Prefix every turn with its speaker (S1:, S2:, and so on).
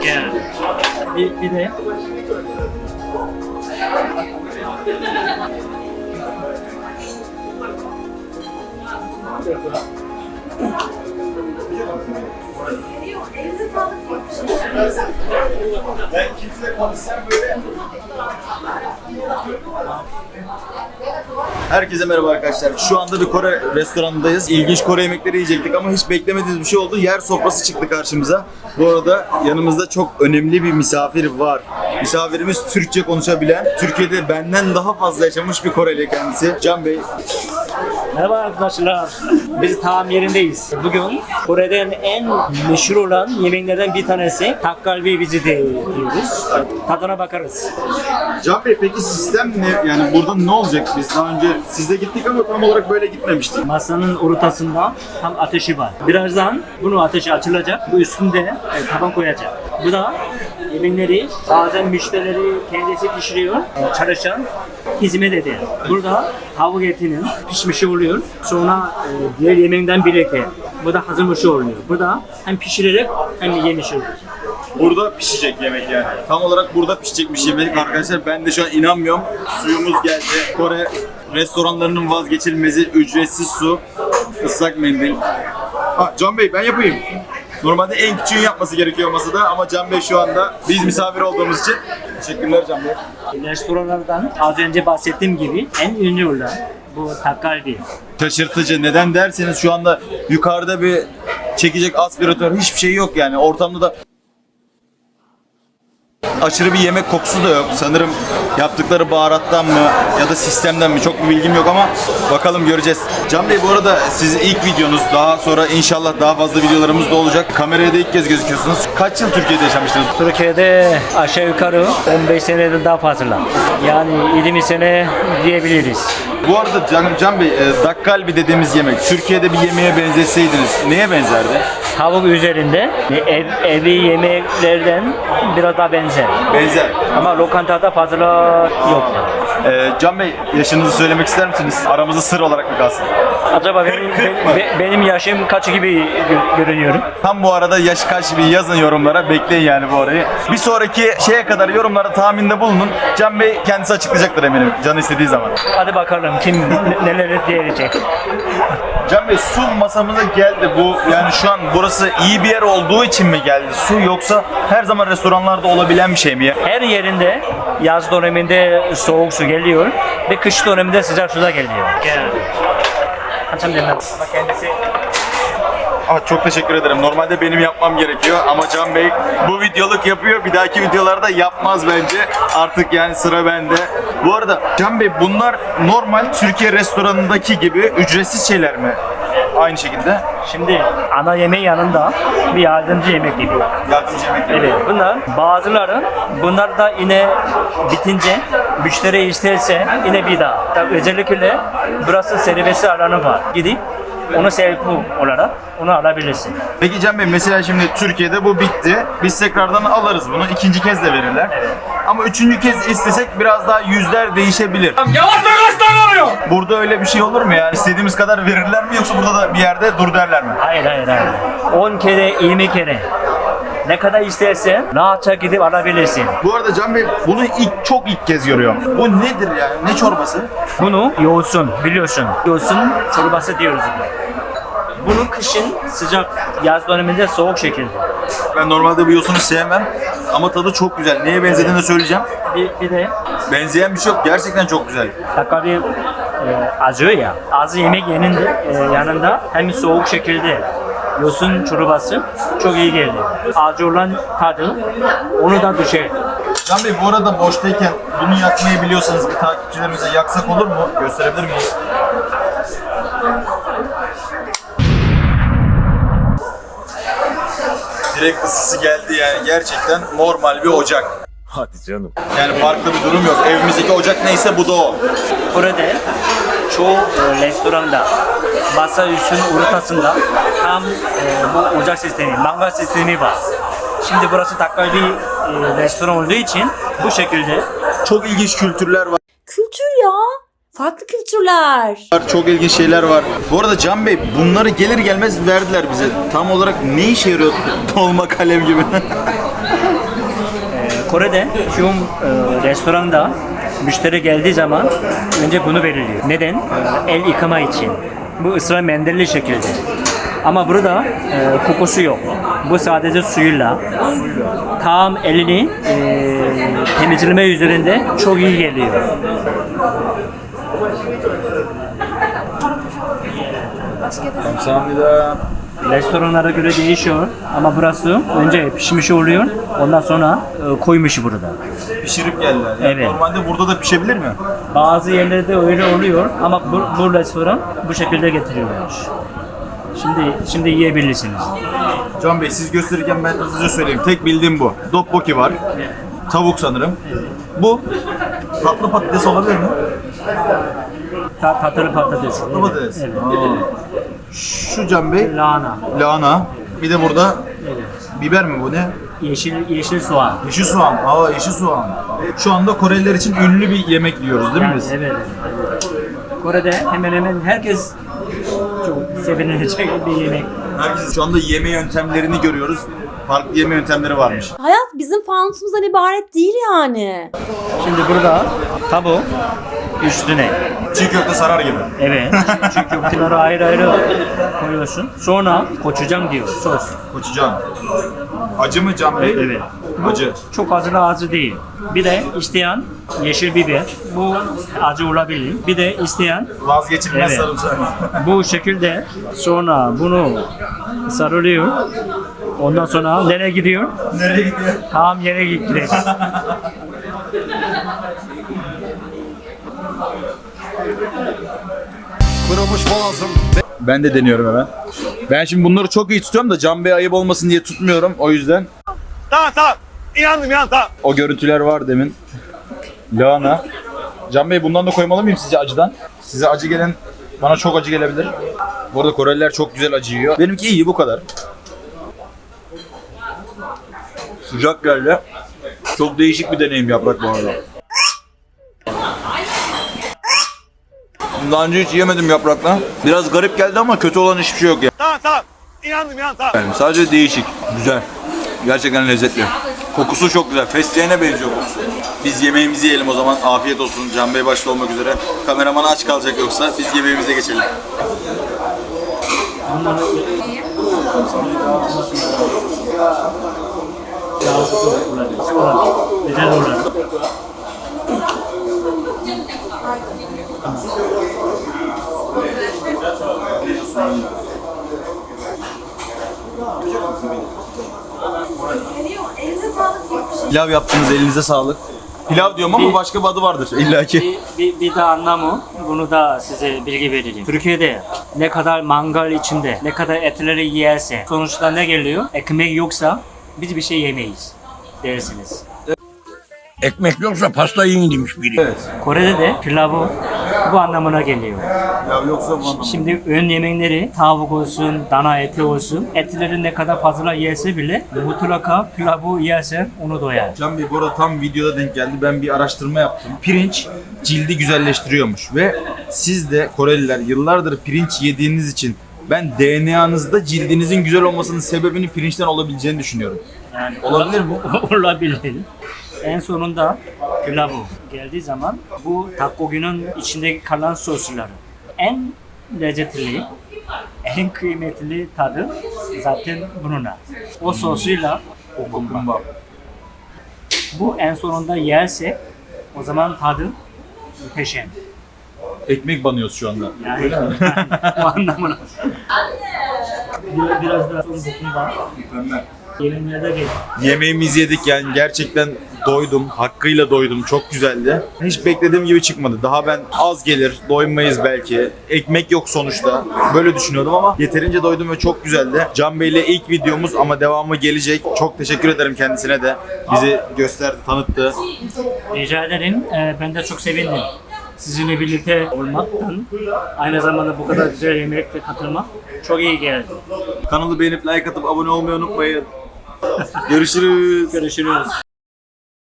S1: Yani. Bir de
S2: Ben kimse konuşsam böyle. Herkese merhaba arkadaşlar. Şu anda bir Kore restoranındayız. İlginç Kore yemekleri yiyecektik ama hiç beklemediğimiz bir şey oldu. Yer sofrası çıktı karşımıza. Bu arada yanımızda çok önemli bir misafir var. Misafirimiz Türkçe konuşabilen, Türkiye'de benden daha fazla yaşamış bir Koreli kendisi. Can Bey.
S1: merhaba arkadaşlar. Biz tam yerindeyiz. Bugün Kore'den en meşhur olan yemeklerden bir tanesi takgalbi bizi de yiyoruz. Tadına bakarız.
S2: Can Bey peki sistem ne? Yani burada ne olacak? Biz daha önce sizle gittik ama tam olarak böyle gitmemiştik.
S1: Masanın ortasında tam ateşi var. Birazdan bunu ateşi açılacak. Bu üstünde taban koyacak. Bu da yemekleri bazen müşterileri kendisi pişiriyor. Çalışan hizmet ediyor. Burada tavuk etinin pişmişi oluyor. Sonra diğer yemekten birlikte. Bu da hazırmışı oluyor. Burada hem pişirerek hem yemiş oluyor.
S2: Burada pişecek yemek yani. Tam olarak burada pişecekmiş yemek arkadaşlar. Ben de şu an inanmıyorum. Suyumuz geldi. Kore restoranlarının vazgeçilmezi ücretsiz su, ıslak mendil. Ha, Can Bey ben yapayım. Normalde en küçüğün yapması gerekiyor masada ama Can Bey şu anda biz misafir olduğumuz için. Teşekkürler Can Bey.
S1: Restoranlardan az önce bahsettiğim gibi en ünlü olan bu takgalbi.
S2: Şaşırtıcı. Neden derseniz şu anda yukarıda bir çekecek aspiratör hiçbir şey yok yani. Ortamda da aşırı bir yemek kokusu da yok. Sanırım yaptıkları baharattan mı ya da sistemden mi çok bir bilgim yok ama bakalım göreceğiz. Can Bey bu arada sizin ilk videonuz, daha sonra inşallah daha fazla videolarımız da olacak. Kameraya da ilk kez gözüküyorsunuz. Kaç yıl Türkiye'de yaşamıştınız?
S1: Türkiye'de aşağı yukarı 15 seneden daha fazla. Yani 20 sene diyebiliriz.
S2: Bu arada Can Bey, dakkalbi dediğimiz yemek Türkiye'de bir yemeğe benzetseydiniz neye benzerdi?
S1: Tavuk üzerinde evi yemeklerden biraz daha benzer.
S2: Benzer.
S1: Ama lokantada fazla yok.
S2: Can Bey yaşınızı söylemek ister misiniz? Aramızda sır olarak mı kalsın?
S1: Acaba benim yaşım kaç gibi görünüyorum?
S2: Tam bu arada yaş kaç bir yazın yorumlara, bekleyin yani bu arayı. Bir sonraki şeye kadar yorumlara tahminde bulunun. Can Bey kendisi açıklayacaktır eminim canı istediği zaman.
S1: Hadi bakalım kim neler diyecek.
S2: Can Bey su masamıza geldi. Bu yani şu an burası iyi bir yer olduğu için mi geldi su yoksa her zaman restoranlarda olabilen bir şey mi ya?
S1: Her yerinde yaz döneminde soğuk su geliyor ve kış döneminde sıcak su da geliyor. Hançam demez. Ama kendisi
S2: Çok teşekkür ederim. Normalde benim yapmam gerekiyor ama Can Bey bu videoluk yapıyor. Bir dahaki videolarda yapmaz bence. Artık yani sıra bende. Bu arada Can Bey bunlar normal Türkiye restoranındaki gibi ücretsiz şeyler mi? Aynı şekilde.
S1: şimdi ana yemeğin yanında bir yardımcı yemek gibi.
S2: Yardımcı yemek.
S1: Evet, bunlar da yine bitince müşteri isterse yine bir daha. Tabii özellikle burası servisi alanı var. Gidip onu selfie olarak onu alabilirsin.
S2: Peki Can Bey mesela şimdi Türkiye'de bu bitti. Biz tekrardan alırız bunu. İkinci kez de verirler.
S1: Evet.
S2: Ama üçüncü kez istesek biraz daha yüzler değişebilir.
S3: Yavaş kaç tane oluyor?
S2: Burada öyle bir şey olur mu yani? İstediğimiz kadar verirler mi yoksa burada da bir yerde dur derler mi?
S1: Hayır. 10 kere, 20 kere. Ne kadar istersen rahatça gidip alabilirsin.
S2: Bu arada Can Bey bunu çok ilk kez görüyorum. Bu nedir yani? Ne çorbası?
S1: Bunu yoğursun biliyorsun. Yoğursun çorbası diyoruz. Bunu kışın sıcak, yaz döneminde soğuk şekilde.
S2: Ben normalde bu yosunu sevmem ama tadı çok güzel. Neye benzediğini de söyleyeceğim.
S1: Bir de
S2: Benzeyen bir şey yok. Gerçekten çok güzel.
S1: takabı acıyor ya. Az yemek yanında hem soğuk şekilde yosun çorbası çok iyi geldi. Acı olan tadı onu da düşer.
S2: Can Bey bu arada boştayken bunu yakmayı biliyorsanız bir takipçilerimize yaksak olur mu? Gösterebilir miyiz? Direkt ısısı geldi yani gerçekten normal bir ocak.
S3: Hadi canım.
S2: Yani farklı bir durum yok. Evimizdeki ocak neyse bu da o.
S1: Burada çoğu restoranda masa üstünün ortasında tam bu ocak sistemi, mangal sistemi var. Şimdi burası takgalbi restoran olduğu için bu şekilde.
S2: Çok ilginç kültürler var.
S4: Kültür ya. Farklı kültürler.
S2: Çok ilginç şeyler var. Bu arada Can Bey bunları gelir gelmez verdiler bize. Tam olarak ne işe yarıyor dolma kalem gibi?
S1: Kore'de tüm restoranda müşteri geldiği zaman önce bunu belirliyor. Neden? El yıkama için. Bu ısrar mendilli şekilde. Ama burada kokusu yok. Bu sadece suyuyla. Tam elini temizleme üzerinde çok iyi geliyor.
S2: Kamsahamnida.
S1: Restoranlara göre değişiyor ama burası önce pişmiş oluyor, ondan sonra koymuş burada.
S2: Pişirip geldiler. Yani
S1: Evet.
S2: Normalde burada da pişebilir mi?
S1: Bazı yerlerde öyle oluyor ama bu restoran bu şekilde getiriyormuş. Şimdi yiyebilirsiniz.
S2: Can Bey siz gösterirken ben hızlıca söyleyeyim. Tek bildiğim bu. Dokboki var. Tavuk sanırım. Bu tatlı patates olabilir mi?
S1: Tatlı patates.
S2: Tatlı patates.
S1: Evet.
S2: Şu Can Bey
S1: Lahana.
S2: lahana. Bir de burada biber mi bu ne?
S1: Yeşil soğan.
S2: Yeşil soğan. Aa yeşil soğan. Şu anda Koreliler için ünlü bir yemek yiyoruz değil mi
S1: Yani,
S2: biz?
S1: evet. Kore'de hemen hemen herkes çok sevinilecek bir yemek.
S2: Herkes şu anda yeme yöntemlerini görüyoruz. Farklı yeme yöntemleri varmış.
S4: Hayat bizim fanusumuzdan ibaret değil yani.
S1: Şimdi burada tabu üstüne.
S2: Çiğ köfte sarar gibi.
S1: Evet. Çünkü bunları ayrı ayrı koyuyorsun. Sonra koçucan diyor sos.
S2: Koçucan. Acı mı Can Bey?
S1: Evet.
S2: Acı.
S1: Çok acı değil. Bir de isteyen yeşil biber. Bu acı olabilir. Bir de isteyen
S2: Vazgeçilmez
S1: Evet.
S2: sarımsak.
S1: bu şekilde sonra bunu sarılıyor. Ondan sonra nereye gidiyor?
S2: Nereye gidiyor?
S1: Tam yere gidiyor.
S3: Kırılmış boğazım.
S2: Ben de deniyorum hemen. Ben şimdi bunları çok iyi tutuyorum da Can Bey ayıp olmasın diye tutmuyorum. O yüzden
S3: Tamam tamam. İnandım tamam.
S2: o görüntüler var demin. Lahana. Can Bey bundan da koymalı mıyım sizce acıdan? Size acı gelen bana çok acı gelebilir. Bu arada Koreliler çok güzel acı yiyor. Benimki iyi bu kadar. Sıcak geldi. Çok değişik bir deneyim yaprak bu arada. Daha önce hiç yemedim yaprakla. Biraz garip geldi ama kötü olan hiçbir şey yok ya.
S3: Tamam. İnandım tamam.
S2: Yani sadece değişik, güzel. Gerçekten lezzetli. Kokusu çok güzel. Fesleğene benziyor kokusu. Biz yemeğimizi yiyelim o zaman. Afiyet olsun. Can Bey başta olmak üzere. Kameraman aç kalacak yoksa biz yemeğimize geçelim.
S1: Güzel olur.
S2: Pilav yaptınız, elinize sağlık. Pilav diyorum ama başka bir adı vardır illaki.
S1: Bir de anlamı, bunu da size bilgi vereceğim. Türkiye'de ne kadar mangal içinde, ne kadar etleri yerse, sonuçta ne geliyor? Ekmek yoksa biz bir şey yemeyiz dersiniz.
S3: Ekmek yoksa pasta yiyin demiş biri.
S2: Evet.
S1: Kore'de de pilavı bu anlamına geliyor.
S2: Pilav yoksa bu anlamda.
S1: Şimdi ön yemekleri tavuk olsun, dana eti olsun, etleri ne kadar fazla yerse bile mutlaka pilavı yerse onu doyar.
S2: Can Bey bu arada tam videoda denk geldi. Ben bir araştırma yaptım. Pirinç cildi güzelleştiriyormuş ve siz de Koreliler yıllardır pirinç yediğiniz için ben DNA'nızda cildinizin güzel olmasının sebebinin pirinçten olabileceğini düşünüyorum.
S1: Yani
S2: Olabilir mi?
S1: Olabilir. En sonunda pilavı geldiği zaman bu tteokbokki'nin içinde kalan sosları en lezzetli, en kıymetli tadı zaten bununla. O sosuyla okumba. Bu en sonunda yerse o zaman tadı muhteşem.
S2: Ekmek banıyoruz şu anda.
S1: Yani o anlamına. Biraz daha son dokunma. Gelinlerde gel.
S2: Yemeğimizi yedik yani gerçekten doydum. Hakkıyla doydum. Çok güzeldi. Hiç beklediğim gibi çıkmadı. Daha ben az gelir, doymayız belki. Ekmek yok sonuçta. Böyle düşünüyordum ama yeterince doydum ve çok güzeldi. Can Bey'le ilk videomuz ama devamı gelecek. Çok teşekkür ederim kendisine de. Bizi gösterdi, tanıttı.
S1: Rica ederim. Ben de çok sevindim. Sizinle birlikte olmaktan, aynı zamanda bu kadar güzel yemekte katılmak çok iyi geldi.
S2: Kanalı beğenip like atıp abone olmayı unutmayın. Görüşürüz.
S1: Görüşürüz.